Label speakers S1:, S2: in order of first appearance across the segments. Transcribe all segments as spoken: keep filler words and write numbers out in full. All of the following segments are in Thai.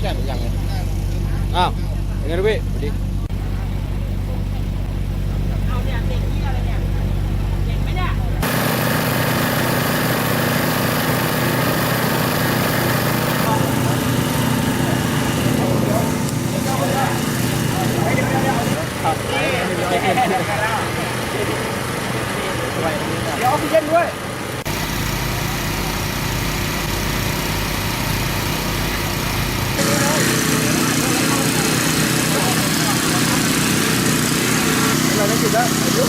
S1: ใช่หรือยังไง
S2: อ้าวยังไงพี่สวัสดี
S3: เอาเนี่ยเด็กที่อะไรเนี่ยเด็กไหมเนี่ย
S1: เดี๋ยวออกซิเจนด้วยเราได้จุดแล้ว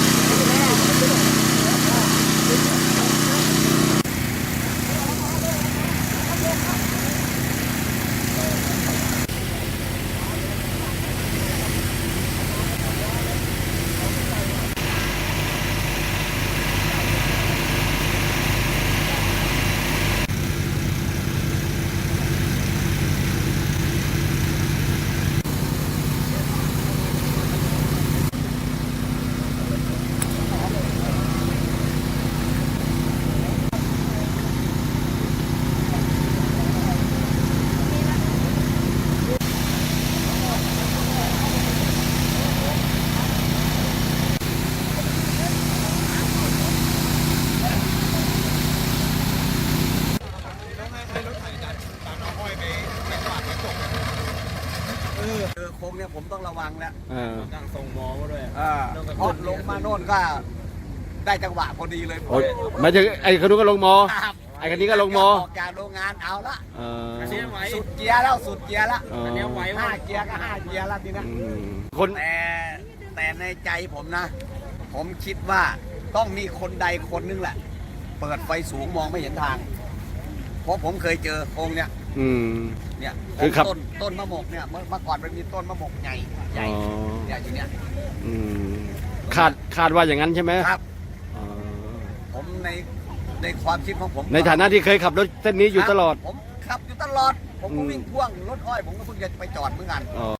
S1: คือโค้งเนี่ยผมต้องระวังแล้ว
S2: ตั้
S1: งส่งหมอมาด้วย
S2: เพ
S1: ราะลงมาโน่นก็ได้จังหวะพอดีเลย
S2: ไม่ใช่ไอ้คนนู้นก็ลงมอไอ้คนนี้ก็ลงมอ
S1: ออกจากโรงงานเอาละสุด
S3: สุด
S1: เกียร์แล้วสุดเกียร์แล้ว
S3: อันนี้ไหว
S1: ห้าเกียร์ก็ห้าเกียร์แล้วทีนะ
S2: คน
S1: แต่แต่ในใจผมนะ ผมคิดว่าต้องมีคนใดคนนึงแหละ เปิดไฟสูงมองไม่เห็นทาง เพราะผมเคยเจอโค้งเนี่ยเนี่ยต้นต้นมะมกเนี่ยเมื่อก่อนมันมีต้นมะมกใหญ่ใหญ่ใหญ่อยู่เนี่ย
S2: คาดคาดว่าอย่างนั้นใช่ไหม
S1: ครับผมในในความคิดของผม
S2: ในฐานะที่เคยขับรถเส้นนี้อยู่ตลอด
S1: ผมขับอยู่ตลอดผมก็วิ่งพ่วงรถอ้อยผมก็เพิ่งจะไปจอดเหมือนกัน